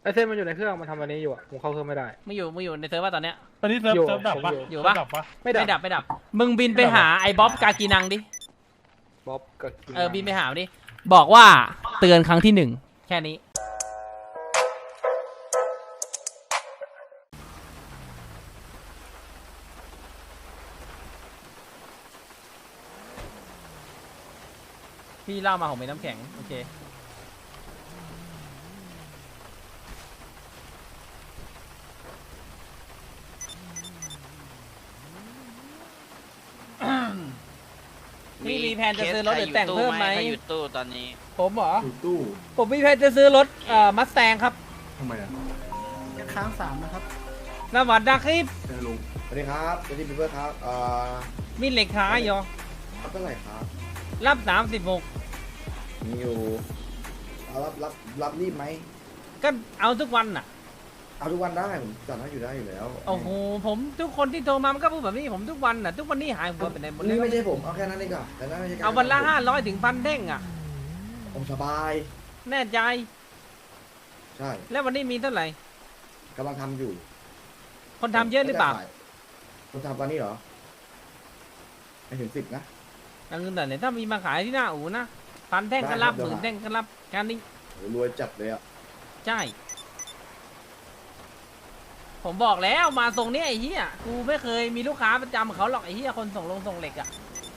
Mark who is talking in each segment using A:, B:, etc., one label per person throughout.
A: ไอเส้นมันอยู่ในเครื่องมันทำอันนี้อยู่อะผมเข้าเครื่องไม่ได้
B: มึงอยู่ในเซิร์ฟว่าตอนเนี้ย
C: ตอนนี้เซิร์ฟดับปะ
B: อยู่ปะ
C: ดับปะ
A: ไม่ดับ
B: ไม่ดับมึงบินไปหาไอ้บ๊อบกากีนังดิ
A: บ๊อบกับกิน
B: บินไปหาดิบอกว่าเตือนครั้งที่1แค่นี้พี่เล่ามาผมเป็นน้ำแข็งโอเคพี่มีแผนจะซื้อรถหรือแต่งเพิ่มไหม
D: อยู่ตู้ตอนนี้
B: ผมเหรอ
E: อยู่ตู้
B: ผมมีแผนจะซื้อรถมัสแตงครับ
E: ทำไมอ่ะ
F: จะค้าง3นะครับ
B: สวัสดีครับ
E: เจอลุง
G: สวัสดีครับสวัสดีพี่เบิร์ดครับ
B: มีเหล็กขายอยู่
G: รับเท่าไหร่ครับ
B: รับ36
G: มีอยู่เอารับรีบไหม
B: ก็เอาทุกวันน่ะ
G: เอาทุกวันได้ผมจัดให้อยู่ได้อยู่แล้ว
B: โอ้โหผมทุกคนที่โทรมามันก็พูดแบบนี้ผมทุกวันน่ะทุกวันนี้หายหัวไปไหนหมดเลย
G: นี่ไม่ใช่ผมเอาแค่นั้นเองก่อนแต่นั่นไม่ใช่การ
B: เอาวันละ500 ถึง 1,000 เด้งอ่ะ
G: ผมสบาย
B: แน่ใจ
G: ใช่
B: แล้ววันนี้มีเท่าไหร่
G: กำลังทำอยู่
B: คนทำเยอะหรือเปล่า
G: คนทำตอนนี้เหรอไม่ถึง10นะ
B: เอาเงินแต่ไหนถ้ามีมาขายที่หน้าอู่นะ1,000 แท่งก็รับ
G: ได้ครับ
B: 10,000 แท่งก็รับการนี้
G: โหรวยจัดเลยอ่ะ
B: ใช่ผมบอกแล้วมาทรงนี้ไอ้เหี้ยกูไม่เคยมีลูกค้าประจำเขาหรอกไอ้เหี้ยคนส่งลงส่งเหล็กอ่ะ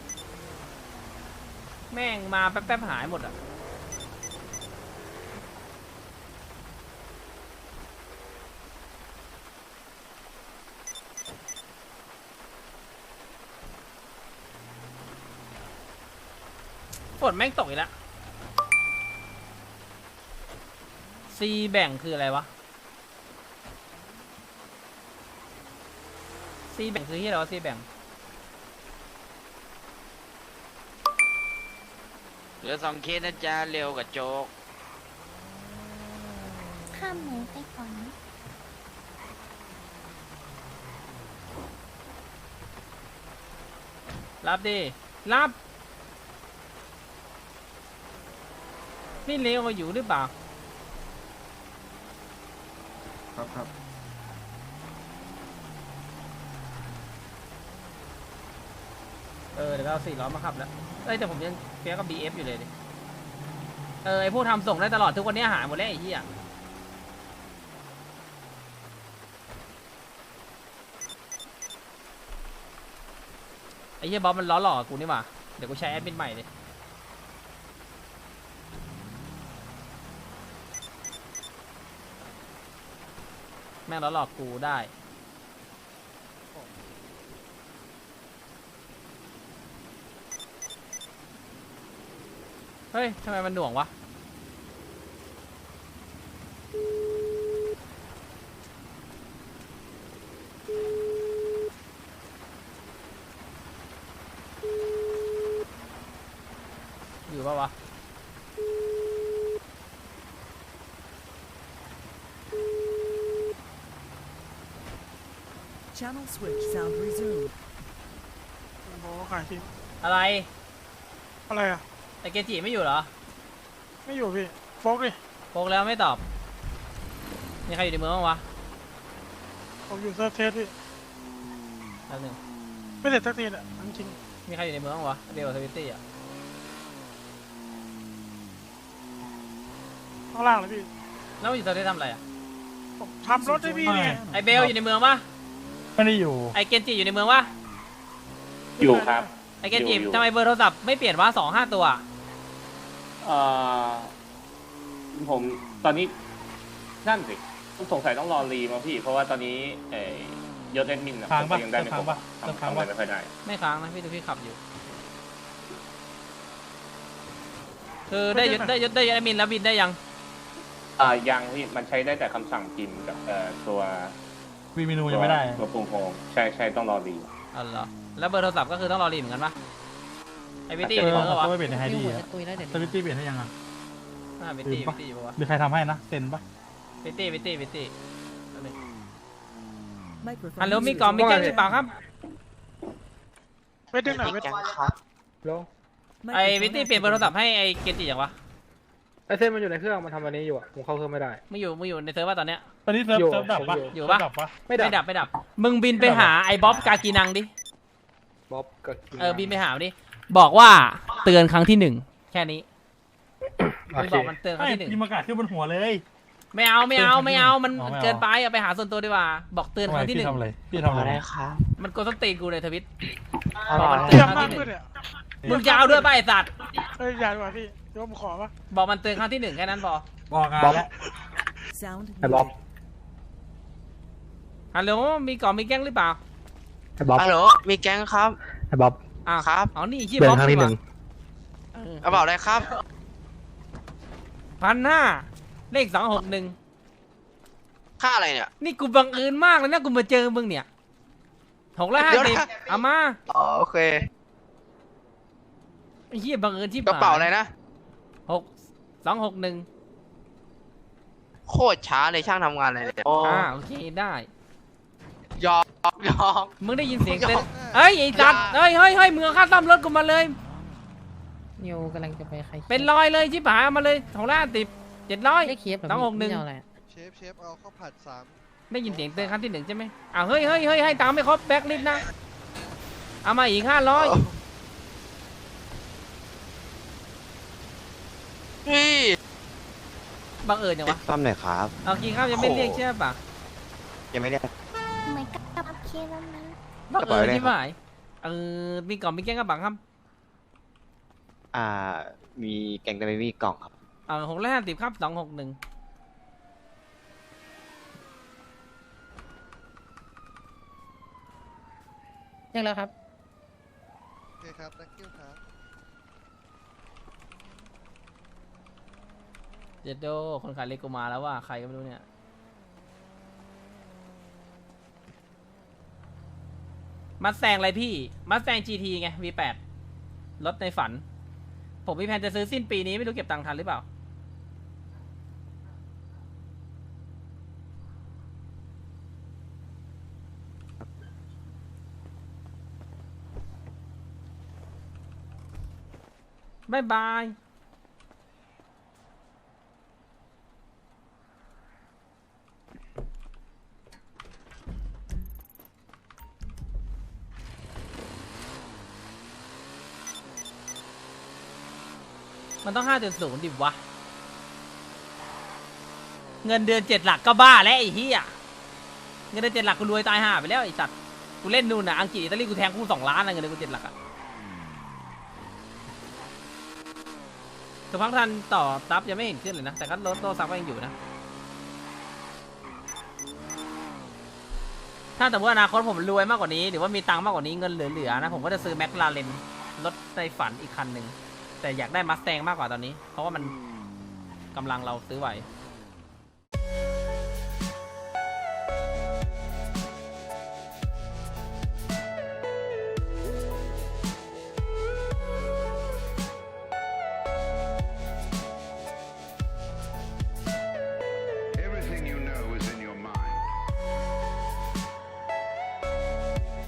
B: แม่งมาแป๊บๆหายหมดอ่ะฝนแม่งตกอีกแล้วซีแบ่งคืออะไรวะซีแบ่งคือที่เราซีแบ่ง
D: เหลือ2 เคสนะจ๊ะเร็วกับโจ๊ก
H: ข้ามหมูไปก่อนนะ
B: รับดิรับนี่เลวอยู่หรือเปล่า
E: ครับ
B: เดี๋ยวเรา400มาขับแล้วแต่ผมยังเฟี้ยกับ BF อยู่เลยดิไอพวกทำส่งได้ตลอดทุกวันนี้หายหมดแล้วไอ้เหี้ยไอ้เหี้ยบ๊อบมันล้อหลอกกูนี่หว่าเดี๋ยวกูใช้แอดมินใหม่เลยแม่งล้อหลอกกูได้เฮ้ยทำไมมันหน่วงวะอยู่ปะวะ
F: Channel switch sound resumed
C: โอ้ขายที
B: อะไร
C: อะไรอ่ะ
B: ไอเกจิไม่อยู่เหรอ
C: ไม่อยู่พี่โฟกดิ
B: โปกแล้วไม่ตอบมีใครอยู่ในเมืองบ้างวะ
C: ผมอยู่เซิร์ฟเทสพี่
B: แป๊บนึง
C: ไม่เสร็จสักทีอ่ะจริง
B: มีใครอยู่ในเมืองบ้างวะเดลทวิตตี้อ่ะ
C: ข้างล่างเลยพี่
B: แล้วมันอยู่ตอนนี้ทำอะไรอ่ะ
C: ผมทำรถให้พี่เนี่ย
B: ไอเบลอยู่ในเมืองปะ
C: ไม่ได้อยู่
B: ไอเกนจิอยู่ในเมืองปะ
I: อยู่ครับ
B: ไอเกนจิ
I: อยู่
B: ทำไมเบอร์โทรศัพท์ไม่เปลี่ยนวะ2-5 ตัว
I: เอ่อผมตอนนี้นั่นสิสงสัยต้องรอรีมาพี่ เพราะว่าตอนนี้ยศแอดมินนะ
C: ค้างปะ
I: ผมยังได้ไม่ครบ
C: ค้างปะ
I: ทำอะไรไม่ค่อยได้
B: ไม่ค้างนะพี่ดูพี่ขับอยู่คือได้ยศแอดมินแล้วบินได้ยัง
I: ยังพี่มันใช้ได้แต่คำสั่งพิมพ์กับตัว
C: วีเมนูยังไม่ได้
I: ตัวปรุงโฮมใช่ต้องรอรี
B: อ๋อเหรอแล้วเบอร์โทรศัพท์ก็คือต้องรอรีเหมือนกันปะไอวิตตี้อยู่ในเมืองเหรอวะ
C: ก็ไม่เปลี่ยนในไฮดี้
H: ยุ่ง
C: อะ
H: กับตุยแล้วเดี๋ยว
C: สวิตตี้เปลี่ยนให้ยังอ่ะ
B: วิตตี้อยู่ปะวะ
C: มีใครทำให้นะเซ็นปะ
B: วิตตี้
F: Microphone
B: ฮัลโหลมี
F: muted.
B: กล่องมีแก้วหรือเปล่าครับ
C: เวทดึงหน่อยเวท
A: แล้ว
B: ไอวิตตี้เปลี่ยนเบอร์โทรศัพท์ให้ไอเกนจิอย่างวะ
A: ไอเส้นมันอยู่ในเครื่องมันทำอันนี้อยู่อะผมเข้าเครื่องไม่ได้
B: มึงอยู่ในเซิร์ฟว่าตอนเนี้ย
C: ตอนนี้เซิร์ฟ
A: อยู่
C: เซิร์ฟดับปะ
B: อยู่ปะ
C: เซิร์ฟดับปะ
A: ไม่ดับ
B: ไม่ดับมึงบินไปหาไอ้บ๊อบกากีนังดิ
A: บ๊อบกับกิน
B: บินไปหาดิบอกว่าเตือนครั้งที่ 1 แค่นี้
A: โอ
B: มึง
A: เค
B: บอกมันเตือนครั้
C: ไม่
B: งที่
C: ยิงประกาศขึ้นบนหัวเลย
B: 1ไม่เอามัน
C: อ๋อไม่เอา
B: เกินไปเอาไปหาส่วนตัวดีกว่าบอกเตือนครั้งที่
C: พี่ทำอะไรพี่ทำอะไร
B: มันกดสนตีนกูในทวิต
E: เตรียมมากขึ้นเนี่ย
B: มึงจะเอาด้วยป่ะไอ้สัตว์
E: เอ้ยอย่าดีกว่าพี่เดี๋ยวผมขอปะ
B: บอกมันเตือนครั้งที่ 1แค่นั้นพอ
C: บอกงานแล้ว
F: Sound
A: ไอ้บ๊อบ
F: muted.
B: ฮัลโหลมีกล่องมีแก๊งหรือเปล่า
A: ไอ้บ๊อบ
J: ฮัลโหล มีแก๊งครับ
A: ไอ้บ๊อบ
B: อ้าว
J: ครับ
B: อ๋อนี่ชื่อ
A: เดือ
B: บ๊อน บ
A: ครั้งที่
B: นี่
A: 1
J: กระเป๋าอะไรครับ
B: 1,500เลข261
J: ค่าอะไรเนี่ย
B: นี่กูบังเอิญมากเลยนะกูมาเจอมึงเนี่ย650
J: เดี๋ยวนะ
B: เอามา
J: อ๋อโอเค
B: ไอ้เหี้ยบังเอิญที่
J: กระเป๋าอะไรนะ
B: 261
J: โคตรช้าเลยช่างทำงานอะไรเนี่ย
B: โอเคได้
J: ยอมยอม
B: มึงได้ยินเสียงเต้น
J: ยอม
B: เอ้ยไอ้จัด
J: อย่า
B: เฮ้ยมึงเอาค่าซ่อมรถกูมาเลย
K: นิวกำลังจะไปใคร
B: เป็นร้อยเลยชิบหายเอามาเลย650 700
K: ได้เคฟ
B: 261
K: เอาอะไร
E: เชฟเอาข้าวผัด
B: ได้ยินเสียงเตือนครั้งที่ 1ใช่ไหมเฮ้ยให้ตามไม่ครบแบ็คลิสต์นะเอามาอีก500
J: เฮ้ย
B: บังเอิญอย่างวะ
J: ซ่อมหน่อยครับ
B: เอากินข้าวยังไม่เรียกใช่ปะ
J: ยังไม่ได้
H: เหมือนกับโอเคแล้วนะ
B: บังเอิญ
J: กระเป๋าอะไร
B: ที่หมายมีกล่องมีแก้งกระบังครับ
J: มีแกงแต่ไม่มีกล่องครับ
B: 650ครับ261
K: เรียกแล้วครับ
E: โอเคครับ thank you ครับ
B: เจโดคนขายเลโกมาแล้วว่าใครก็ไม่รู้เนี่ยมัดแซงอะไรพี่มัดแซง GT ไง V8 รถในฝัน ผมมีแผนจะซื้อสิ้นปีนี้ไม่รู้เก็บตังค์ทันหรือเปล่าบ๊ายบายมันต้อง 5.0 ดิวะ เงินเดือน7 หลักก็บ้าแล้วไอ้เหี้ยเงินเดือน7 หลักกูรวยตายห่าไปแล้วไอ้สัตว์กูเล่นนู่นน่ะอังกฤษอิตาลีกูแทงกู2 ล้านนะเงินเดือนกู7 หลักอะสักพักทันต่อซับยังไม่เห็นขึ้นเลยนะแต่ก็ลดโตซับก็ยังอยู่นะถ้าแต่ว่าอนาคตผมรวยมากกว่านี้หรือว่ามีตังค์มากกว่านี้เงินเหลือๆนะผมก็จะซื้อแมคลาเรนรถในฝันอีกคันหนึ่งแต่อยากได้มัสแตงมากกว่าตอนนี้เพราะว่ามันกำลังเราซื้อไหว